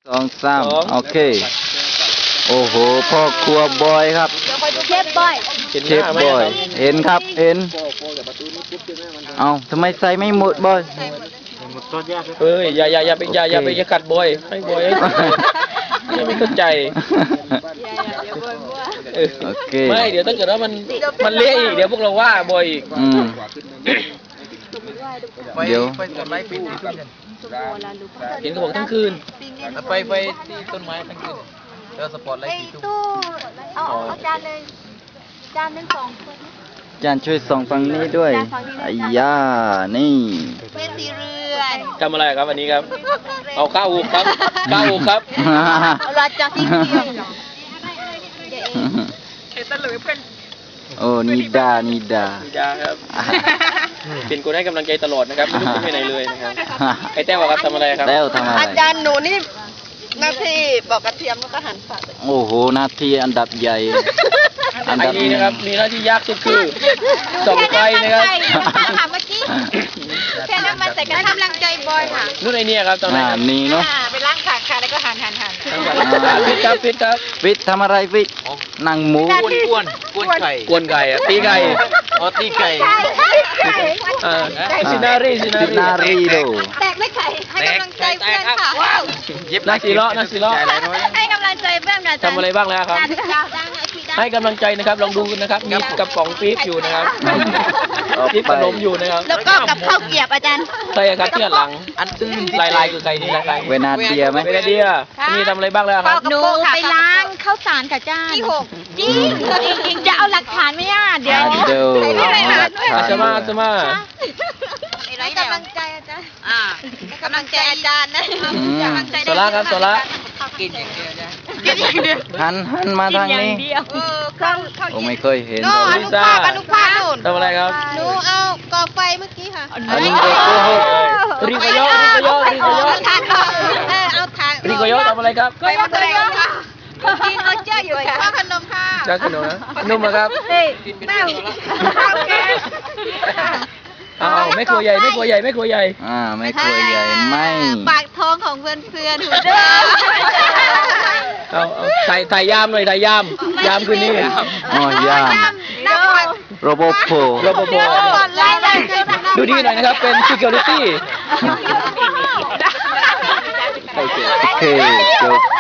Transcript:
2 3โอเคโอ้โหพ่อครัวบอยครับเชฟบอยเชฟบอยเห็นครับเห็นเอาทำไมใส่ไม่หมดบอยเฮ้ยอย่าไปกัดบอยให้บอยอย่าไม่เข้าใจโอเคไม่เดี๋ยวถ้าเกิดว่ามันเละอีกเดี๋ยวพวกเราว่าบอยอีกเดี๋ยวเห็นเขาบอกทั้งคืนไปที่ต้นไม้ทั้งคืนแล้วสปอร์ตไลท์4 ทุ่มเอาจานเลยจานนึง2 คนจานช่วยส่องฝั่งนี้ด้วยไอ้ย่านี่เป็นสีเรือนทำอะไรครับวันนี้ครับเอาข้าวหุกครับข้าวหุกครับเราจะที่เดียวโอ้นิดาครับเป็นคนให้กำลังใจตลอดนะครับไม่ลุกไปไหนเลยนะครับไอ้แต้วครับทำอะไรครับแต้วทำอะไรอาจารย์หนูนี่หน้าที่บอกกระเทียมแล้วก็หั่นผักโอ้โหหน้าที่อันดับใหญ่อันดับนี้นะครับมีหน้าที่ยากสุดคือส่องไฟนะครับค่ะเมื่อกี้แค่น้ำมันใส่กระทำลังใจบอยค่ะนู่นไอเนี่ยครับตอนนี้นี่เนาะไปล้างขาค่ะแล้วก็หั่นฟิตครับฟิตทำอะไรฟิตนั่งหมูกวนไก่กวนไก่ตีไก่ตีไก่ซินารีโดแตกไม่ไข่ให้กำลังใจเพื่อนค่ะว้าวนักสีล้อให้กำลังใจเพื่อนกันทำอะไรบ้างแล้วครับให้กำลังใจนะครับลองดูนะครับมีกระป๋องปี๊บอยู่นะครับปี๊บขนมอยู่นะครับแล้วก็กับข้าวเกี๊ยวอาจารย์ใช่ครับที่หลังอันอื่นลายคือไก่นี่ลายเวนาเดียไหมเวนาเดียนี่ทำอะไรบ้างแล้วครับหนูไปล้างข้าวสารค่ะจ้าที่6จริงจะเอาหลักฐานไหมอ่ะเดี๋ยวจะมาให้กำลังใจอาจารย์กำลังใจอาจารย์นะโซล่าครับโซล่ากินอย่างเดียวจ้ะหันมาทางนี้โอ้ไม่เคยเห็นอนุภาพนู่นทำอะไรครับหนูเอาก่อไฟเมื่อกี้ค่ะอันนี้เด็กโกหกริโกโยเอาทางริโกโยทำอะไรครับไปมาเลยกินเอาเจ้าอยู่ค่ะขนมค่ะจ้าขนมนะนุ่มครับแม่ไม่ครัวใหญ่ไม่ครัวใหญ่ไม่ครัวใหญ่ไม่ปากท้องของเพื่อนหูเอาถ่ายยามหน่อยถ่ายยามคืนนี้อ๋อยามโรบอทดูดีหน่อยนะครับเป็น security โอเคจบ